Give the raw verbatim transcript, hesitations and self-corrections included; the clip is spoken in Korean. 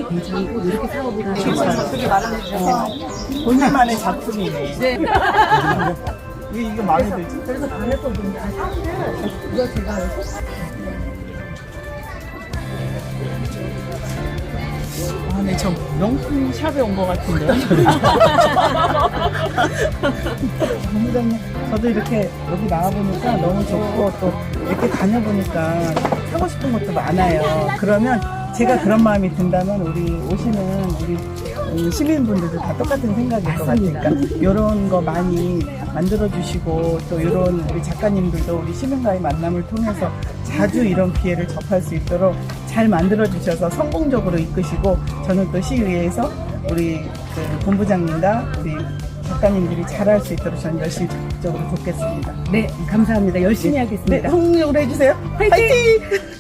괜찮고 이렇게 사업을 하시고 되게 마련해주셔서 본인만의 작품이네. 네. 왜 이게 마음에 들지? 그래서 반했거든요. 아, 사실은 이거 제가 아, 네, 저 명품 샵에 온 것 같은데. 본부장님, 저도 이렇게 여기 나와보니까 너무 좋고 또 이렇게 다녀보니까 사고 싶은 것도 많아요. 그러면 제가 그런 마음이 든다면 우리 오시는 우리 이 시민분들도 다 똑같은 생각일 것 같으니까 이런 거 많이 만들어주시고 또 이런 우리 작가님들도 우리 시민과의 만남을 통해서 자주 이런 기회를 접할 수 있도록 잘 만들어주셔서 성공적으로 이끄시고 저는 또 시의회에서 우리 그 본부장님과 우리 작가님들이 잘할 수 있도록 저는 열심히 적극적으로 돕겠습니다. 네, 감사합니다. 열심히 네, 하겠습니다. 성공적으로 해주세요. 화이팅! 화이팅!